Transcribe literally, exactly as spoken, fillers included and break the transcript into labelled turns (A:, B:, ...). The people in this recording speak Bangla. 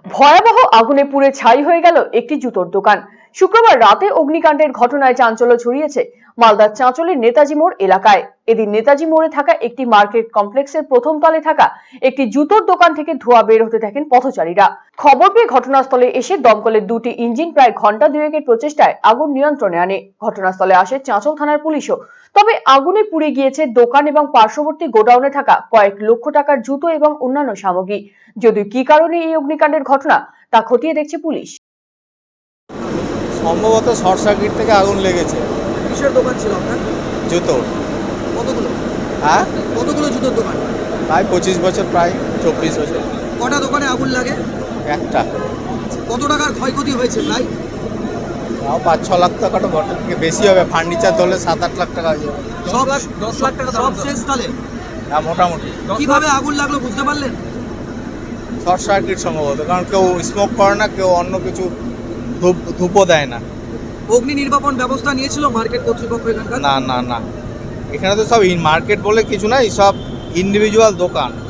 A: ভয়াবহ আগুনে পুড়ে ছাই হয়ে গেল একটি জুতোর দোকান। শুক্রবার রাতে অগ্নিকাণ্ডের ঘটনায় চাঞ্চল্য ছড়িয়েছে মালদার চাঁচলের নেতাজি মোড় এলাকায়। এদিন নেতাজি মোড়ে থাকা একটি মার্কেট কমপ্লেক্সের প্রথম তলে থাকা একটি জুতোর দোকান থেকে ধোঁয়া বের হতে থাকেন পথচারীরা। খবর পেয়ে ঘটনাস্থলে এসে দমকলের দুটি ইঞ্জিন প্রায় ঘন্টা দুয়েকের প্রচেষ্টায় আগুন নিয়ন্ত্রণে আনে। ঘটনাস্থলে আসে চাঁচল থানার পুলিশও। তবে আগুনে পুড়ে গিয়েছে দোকান এবং পার্শ্ববর্তী গোডাউনে থাকা কয়েক লক্ষ টাকার জুতো এবং অন্যান্য সামগ্রী। যদিও কি কারণে এই অগ্নিকাণ্ডের ঘটনা তা খতিয়ে দেখছে পুলিশ।
B: সম্ভবত শর্ট সার্কিট থেকে আগুন লেগেছে।
C: কিসের দোকান ছিল আপনার?
B: জুতোর।
C: কতগুলো?
B: হ্যাঁ,
C: কতগুলো জুতোর দোকান?
B: প্রায় পঁচিশ বছর, প্রায় চব্বিশ বছর।
C: কটা দোকানে আগুন লাগে?
B: একটা।
C: কত টাকার ক্ষয়ক্ষতি হয়েছে প্রায়?
B: তাও পাঁচ ছ লাখ টাকাটা ঘটনা থেকে বেশি হবে। ফার্নিচার ধরলে সাত আট লাখ টাকা হয়ে যাবে।
C: সব দশ লাখ টাকা সব শেষ তাহলে?
B: হ্যাঁ, মোটামুটি।
C: কিভাবে আগুন লাগলো বুঝতে পারলেন?
B: শর্ট সার্কিট সম্ভবত, কারণ কেউ স্মোক করে না, কেউ অন্য কিছু ধূপ ধূপও দেয় না।
C: অগ্নি নির্বাপন ব্যবস্থা নিয়েছিল মার্কেট কর্তৃপক্ষ এখানকার?
B: না না না, এখানে তো সব মার্কেট বলে কিছু নাই, সব ইন্ডিভিজুয়াল দোকান।